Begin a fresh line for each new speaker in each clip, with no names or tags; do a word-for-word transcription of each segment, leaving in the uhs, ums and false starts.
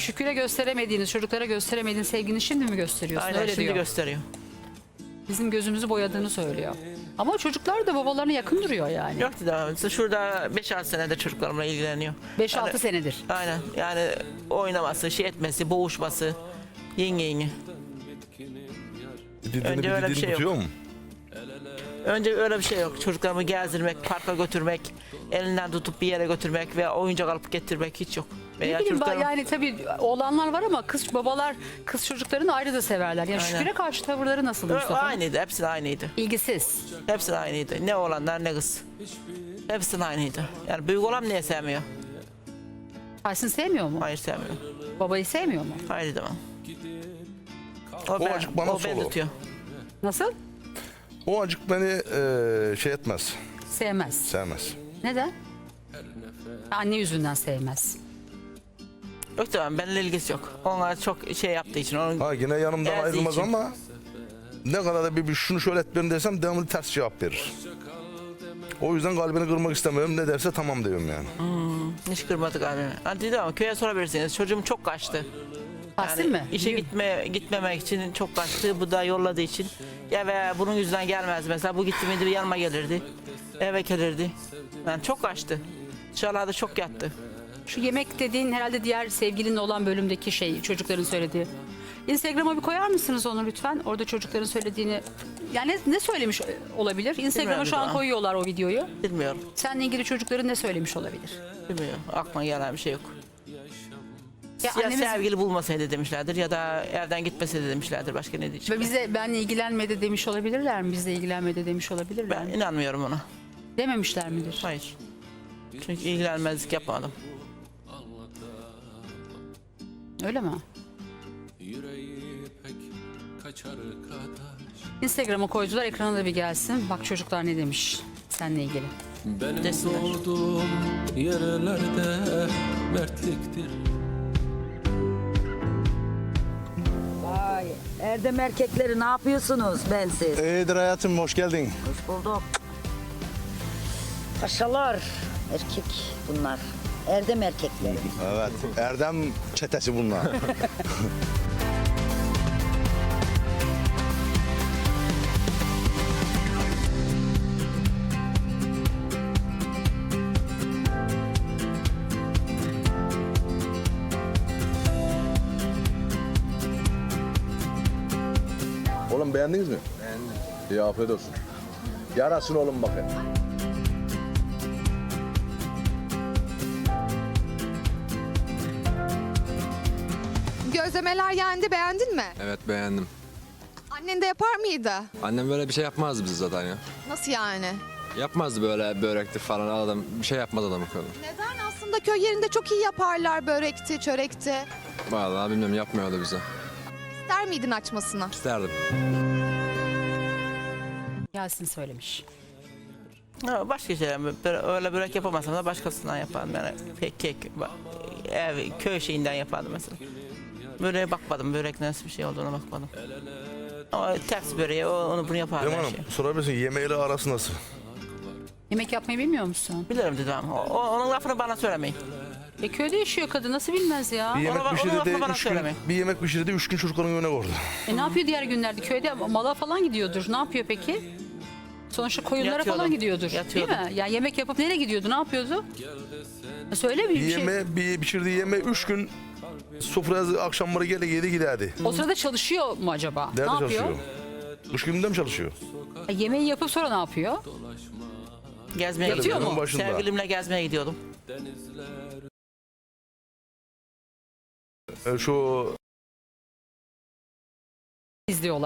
Şükür'e gösteremediğiniz, çocuklara gösteremediğiniz sevgini şimdi mi gösteriyorsun?
Aynen
Öyle
şimdi
diyor.
gösteriyor.
Bizim gözümüzü boyadığını söylüyor. Ama çocuklar da babalarına yakın duruyor yani.
Yok da şurada beş altı senedir çocuklarımla ilgileniyor.
beş altı
Yani-
senedir.
Aynen yani oynaması, şey etmesi, boğuşması, yenge yenge.
Dediğini
Önce öyle bir
bildiğini
şey yok.
tutuyor mu?
Önce öyle bir şey yok. Çocuklarımı gezdirmek, parka götürmek, elinden tutup bir yere götürmek veya oyuncak alıp getirmek hiç yok. Veya
Ne bileyim ben,
çocuklarım-
yani tabii oğlanlar var ama kız babalar kız çocuklarını ayrı da severler. Yani
Aynen.
Şükür'e karşı tavırları nasıl
Ö-
Mustafa?
Aynıydı, hepsi aynıydı.
İlgisiz.
Hepsi aynıydı. Ne oğlanlar ne kız. Hepsi aynıydı. Yani büyük olan niye sevmiyor?
Tahsin sevmiyor mu?
Hayır sevmiyor.
Babayı sevmiyor mu?
Hayır demem. O,
O
ben,
acık bana
o beni
solu.
tutuyor.
Nasıl?
O acık beni e, şey etmez,
Sevmez.
sevmez.
Neden? Anne yüzünden sevmez.
Yok tamam benimle ilgisi yok. Onlar çok şey yaptığı için. Onun
Ha yine yanımdan
Ezdiği
ayrılmaz
için.
ama ne kadar da bir, bir şunu şöyle etmiyorum desem devamlı ters cevap verir. O yüzden kalbini kırmak istemiyorum. Ne derse tamam diyorum yani.
hiç kırmadık abi. Hani dedi ama köye sorabilirsiniz. Çocuğum çok kaçtı.
Tahsin mi?
İşe
Yürü.
gitme gitmemek için çok kaçtı. Bu da yolladığı için. Ya ve bunun yüzünden gelmez mesela. Bu gitti miydi yanıma gelirdi. Eve gelirdi. Yani çok kaçtı. Dışarılarda çok yattı.
Şu yemek dediğin herhalde diğer sevgilinle olan bölümdeki şey, çocukların söylediği. Instagram'a bir koyar mısınız onu lütfen? Orada çocukların söylediğini. Yani ne, ne söylemiş olabilir? Instagram'a
Bilmiyorum
şu an
daha.
koyuyorlar o videoyu.
Bilmiyorum.
Seninle ilgili çocukların ne söylemiş olabilir?
Bilmiyorum. Aklıma gelen bir şey yok.
Ya
Ya,
annemiz
sevgili bulmasaydı demişlerdir ya da evden gitmeseydi demişlerdir. Başka ne diyecek?
ve bize benle ilgilenmedi demiş olabilirler mi? Bizle ilgilenmedi demiş olabilirler
Ben
mi?
inanmıyorum ona.
Dememişler midir?
Hayır. Çünkü ilgilenmezlik yapmadım.
Öyle mi?
Yüreği pek kaçar kadar.
Instagram'a koydular, ekrana da bir gelsin. Bak çocuklar ne demiş seninle ilgili.
Benim
Desinler.
doğduğum yerlerde mertliktir.
Vay, Erdem erkekleri ne yapıyorsunuz bensiz?
İyidir hayatım, hoş geldin.
Hoş bulduk. Paşalar, erkek bunlar. Erdem erkekleri.
Evet, Erdem çetesi bunlar. Oğlum beğendiniz mi? Beğendim. İyi, afiyet olsun. Yarasın oğlum bakın.
Gözlemeler yendi, beğendin mi?
Evet beğendim.
Annen de yapar mıydı?
Annem böyle bir şey yapmazdı bize zaten ya.
Nasıl yani?
Yapmazdı böyle börekti falan adam bir şey yapmaz adam o kadar.
Neden? Aslında köy yerinde çok iyi yaparlar börekti, çörekti.
Vallahi bilmiyorum yapmıyordu bize.
İster miydin açmasını?
İsterdim.
Yasin söylemiş.
Ha, başka şeyler bö- öyle börek yapamasam da başkasından yapardım. Yani kek, kek ba- ev, köy şeyinden yapardım mesela. Böreğe bakmadım. Börek nasıl bir şey olduğuna bakmadım. Ama ters böreği o- onu bunu yapardım
Değil mi
her
hanım?
şey.
Sorabilirsin, yemeğiyle arası nasıl?
Yemek yapmayı bilmiyor musun?
Bilirim dedim ama o, o- onun lafını bana söylemeyin.
E köyde yaşıyor kadın, nasıl bilmez ya?
Bir yemek
Ona bak-
pişirdi
onun
de
lafını bana
üç gün,
söyleme.
bir yemek pişirdi de üç gün çocukların önüne koydu.
E ne yapıyor diğer günlerde? Köyde mala falan gidiyordur. Ne yapıyor peki? Sonuçta koyunlara
Yatıyordum.
falan gidiyordur.
Yatıyordum.
Değil mi? Yani yemek yapıp nereye gidiyordu? Ne yapıyordu? E söyle bir,
Bir
bir şey.
yeme, bir pişirdiği yeme üç gün sofraya akşamları gele yedi giderdi.
O sırada çalışıyor mu acaba?
Nerede
ne yapıyor?
çalışıyor? Kış gününde mi çalışıyor?
E, yemeği yapıp sonra ne yapıyor?
Gezmeye
Yatıyor
gidiyordum.
mu?
Başında.
Sevgilimle gezmeye gidiyordum.
E, şu
İzliyorlar.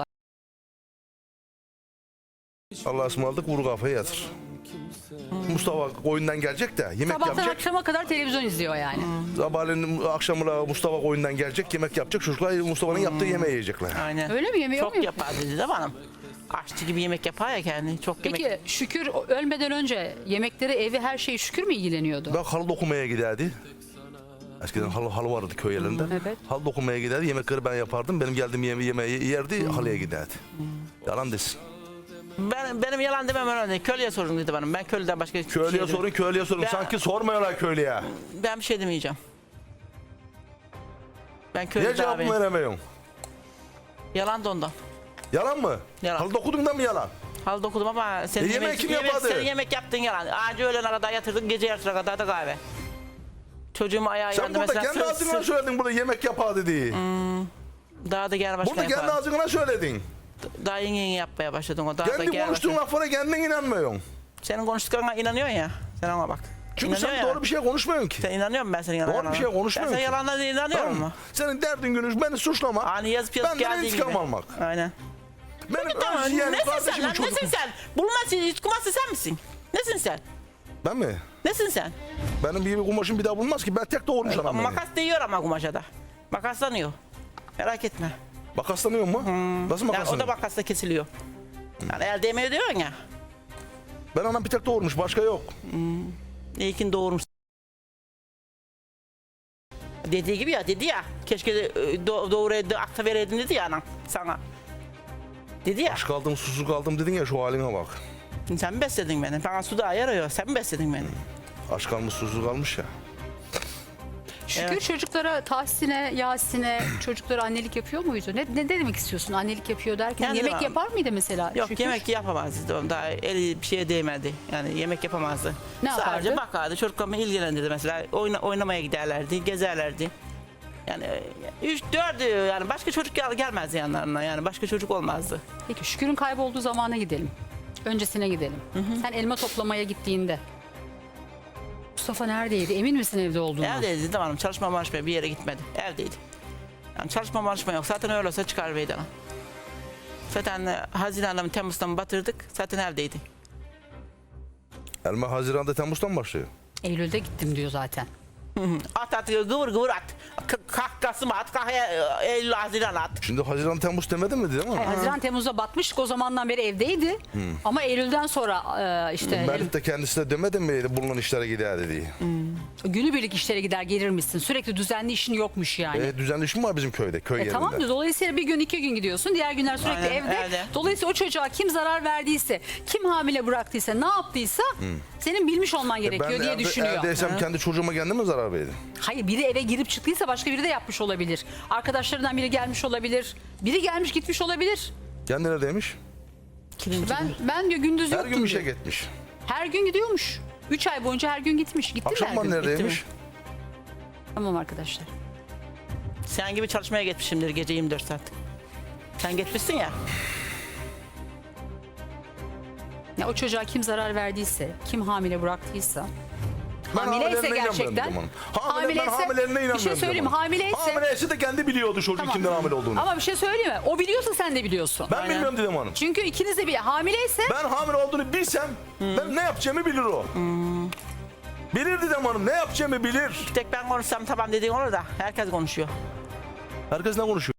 Allah'a ısmarladık, vur kafayı yatır. Mustafa oyundan gelecek de yemek
Sabahtan
yapacak.
akşama kadar televizyon izliyor yani.
Sabahleyin akşamına Mustafa oyundan gelecek, yemek yapacak. Çocuklar Mustafa'nın yaptığı yemeği yiyecekler.
Aynen.
Öyle mi? Yemeği yok
Çok
mu?
yapar dedi de bana. Aşçı gibi yemek yapar ya kendi. Çok yemek.
Peki Şükür ölmeden önce yemekleri, evi, her şeyi Şükür mü ilgileniyordu?
Ben halı dokumaya giderdi. Eskiden halı, halı vardı köy yerlerinde.
Evet.
Halı dokumaya giderdi, yemekleri ben yapardım. Benim geldiğim yeme yemeği yerdi, halıya giderdi. Yalan desin.
Ben, benim yalan demem önemli. Köylüye sorun dedi bana. Ben köylüden başka hiçbir
Köylüye
şey
sorun, köylüye sorun.
Ben-
Sanki sormuyorlar köylüye.
Ben bir şey demeyeceğim. Ben
Niye
köylü
cevap
abiyim.
veremiyorsun?
Yalan da ondan.
Yalan mı?
Yalan.
Halı dokudun da mı yalan?
Hal dokudum ama senin
E, yemek kim
yemek,
yapardı?
senin yemek yaptığın yalan. Anca öğlene kadar yatırdın, gece yarısına kadar da kahve. Çocuğum ayağı
Sen
yandı
burada
mesela.
kendi
sır-
ağzına
sır-
söyledin burada yemek yapardı diye.
Daha da gel başka
Burada kendi
yapar.
ağzına söyledin.
Daha yeni yeni yapmaya başladın o. Daha da
Kendi
gel
konuştuğun
başka.
laflara kendin inanmıyorsun.
Senin konuştuklarına inanıyorsun ya. Sen ona bak.
Çünkü sen
İnanıyorsun ya.
doğru bir şey konuşmuyorsun ki.
Sen inanıyor musun ben senin yalanlarına?
Doğru bir şey konuşmuyorsun
Ben senin
ki.
yalanlarına inanıyor
Tamam mı?
musun?
Senin derdin günü beni suçlamak.
Hani yazıp yazıp
Benden
geldiği
intikam
gibi.
almak.
Aynen.
Benim
Tamam,
öz yeğenim,
nesin sen
kardeşimin
lan?
çocuğu.
Nesin sen? Bulmaz, yutkumazsın sen misin? Nesin sen?
Ben mi?
Nesin sen?
Benim gibi kumaşım bir daha bulmaz ki. Ben tek doğurmuş anam beni.
Makas değiyor ama kumaşa da. Makaslanıyor. Merak etme.
Makaslanıyor mu? Nasıl
Yani o da
makaslanıyor?
makasla kesiliyor. Yani el değmiyor diyorsun ya.
Ben anam bir tek doğurmuş. Başka yok.
İyi ki doğurmuş. Dediği gibi ya, dedi ya. Keşke de, e, do doğuraydı, akta vereydin dedi ya anam sana. Dedi ya.
Aç kaldım, susuz kaldım dedin ya, şu haline bak.
Sen mi besledin beni? Bana su da yarıyor. Sen mi besledin beni?
Aç kalmış, susuz kalmış ya.
Şükür
Evet.
çocuklara Tahsin'e, Yasin'e çocuklara annelik yapıyor muydu? Ne, ne demek istiyorsun annelik yapıyor derken?
Yani
yemek
var.
yapar mıydı mesela?
Yok,
Şükür?
yemek yapamazdı. Daha eli bir şeye değmedi. Yani yemek yapamazdı.
Ne
Sadece
yapardı?
bakardı. Çocuklarımı ilgilendirdi mesela. Oyna, oynamaya giderlerdi, gezerlerdi. Yani e, üç, dördü yani başka çocuk gel, gelmezdi yanlarına. Yani başka çocuk olmazdı.
Peki Şükür'ün kaybolduğu zamana gidelim. Öncesine gidelim. Sen elma toplamaya gittiğinde Mustafa neredeydi? Emin misin evde olduğunu?
Evdeydi tamam, çalışma marşmaya bir yere gitmedi. Evdeydi. Yani çalışma marşma yok. Zaten öyle olsa çıkar meydana. Zaten e, Haziran'da mı Temmuz'da mı batırdık. Zaten evdeydi.
Elma Haziran'da Temmuz'dan başlıyor.
Eylül'de gittim diyor zaten.
At at gıvır gıvır at. K- Kalk Kasım at. Kalk e, Eylül Haziran at.
Şimdi Haziran Temmuz demedin mi, değil mi?
Hayır, Haziran Temmuz'da batmıştık, o zamandan beri evdeydi. Ama Eylül'den sonra e, işte
Melih de kendisi de demedin mi bulunan işlere gider diye.
günübirlik işlere gider gelirmişsin. Sürekli düzenli işin yokmuş yani.
E, düzenli iş mi var bizim köyde, köy
E
yerinde?
tamam da dolayısıyla bir gün iki gün gidiyorsun, diğer günler sürekli
Aynen,
evde.
evde.
Dolayısıyla o çocuğa kim zarar verdiyse, kim hamile bıraktıysa, ne yaptıysa senin bilmiş olman gerekiyor
Ben
diye
evde,
düşünüyor.
evdeysem kendi çocuğuma kendim mi zarar verdim?
Hayır, biri eve girip çıktıysa başka biri de yapmış olabilir. Arkadaşlarından biri gelmiş olabilir. Biri gelmiş gitmiş olabilir.
Kendi neredeymiş?
Ben ben diyor gündüz
Her
yoktum
gün bir şey
diyor.
gitmiş.
Her gün gidiyormuş. Üç ay boyunca her gün gitmiş. Gitti mi her
Akşamdan
gün?
neredeymiş?
Gitti
Tamam arkadaşlar.
Sen gibi çalışmaya gitmişimdir gece yirmi dört saat. Sen gitmişsin ya.
Ya o çocuğa kim zarar verdiyse, kim hamile bıraktıysa,
Ben
hamileyse
hamilelerine
gerçekten,
inanmıyorum o zaman. Hamile, ben hamilelerine inanmıyorum.
bir şey söyleyeyim
o zaman.
hamileyse,
Hamileyse de kendi biliyordu çocuk
Tamam.
kimden hamile olduğunu.
ama bir şey söyleyeyim mi? O biliyorsa sen de biliyorsun.
ben
Aynen.
bilmiyorum dedim hanım.
Çünkü ikiniz de bir hamileyse
Ben hamile olduğunu bilsem ben ne yapacağımı bilir o. Bilir dedim hanım, ne yapacağımı bilir.
Bir tek ben konuşsam tamam dediğin olur da herkes konuşuyor.
Herkes ne konuşuyor?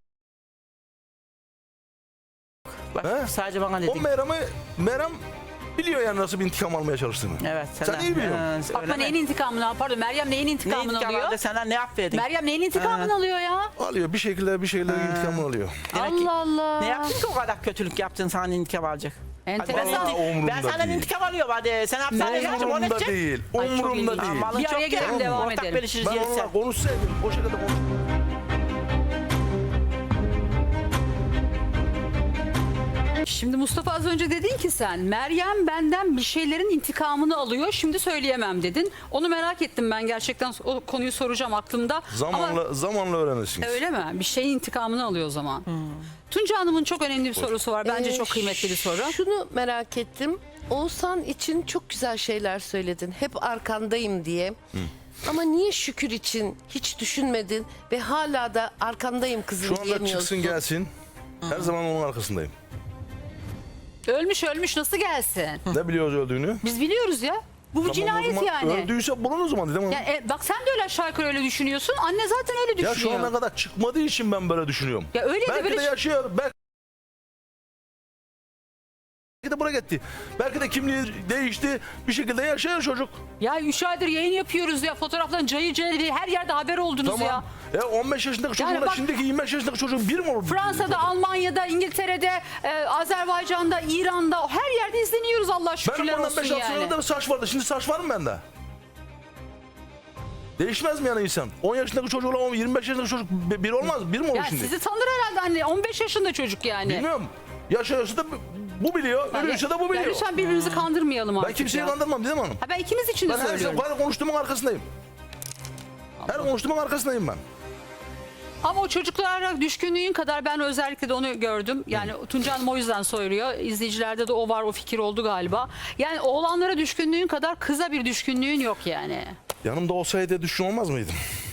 Bak
He?
sadece bana
O
dedin.
Meram'ı, Meram biliyor yani nasıl bir intikam almaya çalıştığını.
Evet.
Sen iyi biliyorsun.
Ha,
Fatma
öyle mi?
neyin intikamını, pardon Meryem neyin
Ne
intikamını
intikam
alıyor?
aldı, senden ne affedin?
Meryem neyin intikamını alıyor ya?
Alıyor bir şekilde bir şekilde intikamını alıyor.
Demek ki-
Allah Allah.
Ne yaptın ki o kadar kötülük yaptın, sana intikam alacak?
Enteresan.
Hadi ben,
Vallahi
intik-
umurumda
ben senden
değil.
intikam alıyorum hadi. Sen hapishaneye kaçın, onu
Umurumda
edecek.
değil.
Ay, çok
Umurumda
ilginç.
değil.
Malın
Bir
çok
araya
ya.
girelim, devam
Ortak
edelim.
bölüşürüz
Ben
gelirse.
onunla konuşsaydım o şekilde konuş.
Şimdi Mustafa az önce dedin ki sen Meryem benden bir şeylerin intikamını alıyor, şimdi söyleyemem dedin. Onu merak ettim ben, gerçekten o konuyu soracağım aklımda.
Zamanla
Ama
zamanla öğrenirsiniz.
öyle mi? Bir şeyin intikamını alıyor o zaman. Tunca Hanım'ın çok önemli bir sorusu var. Bence
Ee,
çok kıymetli bir soru.
Şunu merak ettim. Oğuzhan için çok güzel şeyler söyledin. Hep arkandayım diye. Ama niye Şükür için hiç düşünmedin ve hala da arkandayım kızım
Şu anda
diyemiyorsun?
çıksın gelsin. Her zaman onun arkasındayım.
Ölmüş ölmüş nasıl gelsin?
Ne biliyoruz öldüğünü?
Biz biliyoruz ya. Bu bir
Tamam, o
cinayet
zaman
yani.
Öldüyse bulun o zaman dedim.
Ya, e, bak sen de öyle aşağı yukarı öyle düşünüyorsun. Anne zaten öyle
Ya
düşünüyor.
şu ana kadar çıkmadığı için ben böyle düşünüyorum.
Ya öyle de
Belki
böyle
de yaşıyor. Belki de buraya gitti. Belki de kimliği değişti. Bir şekilde yaşıyor çocuk.
Ya üç aydır yayın yapıyoruz ya. Fotoğraftan cayır cayır diye her yerde haber oldunuz ya.
Tamam. Ya on beş yaşındaki
Yani
çocuğun
bak-
şimdiki yirmi beş yaşındaki çocuğun bir mi olur?
Fransa'da, Almanya'da, İngiltere'de, e, Azerbaycan'da, İran'da her yerde izleniyoruz Allah
Benim
şükürler
bundan
olsun
beş altı
yani.
sene de saç vardı. Şimdi saç var mı bende? Değişmez mi yani insan? on yaşındaki çocukla on- yirmi beş yaşındaki çocuk bir bir olmaz. Bir mi olur
Ya
şimdi?
sizi tanır herhalde anne. on beş yaşında çocuk yani.
Bilmiyorum. Yaşıyorsa da bu biliyor,
Yani-
ölüyorsa da bu
Ya
biliyor.
lütfen birbirimizi kandırmayalım artık
Ben kimseyi
ya.
kandırmam Didem Hanım.
Ha, ben ikimiz için de
Ben her,
söylüyorum.
her konuştuğumun arkasındayım. Her konuştuğumun arkasındayım ben.
Ama o çocuklara düşkünlüğün kadar ben özellikle de onu gördüm. Yani Tunca Hanım o yüzden soruyor. İzleyicilerde de o var, o fikir oldu galiba. Yani oğlanlara düşkünlüğün kadar kıza bir düşkünlüğün yok yani.
Yanımda olsaydı düşkün olmaz mıydım?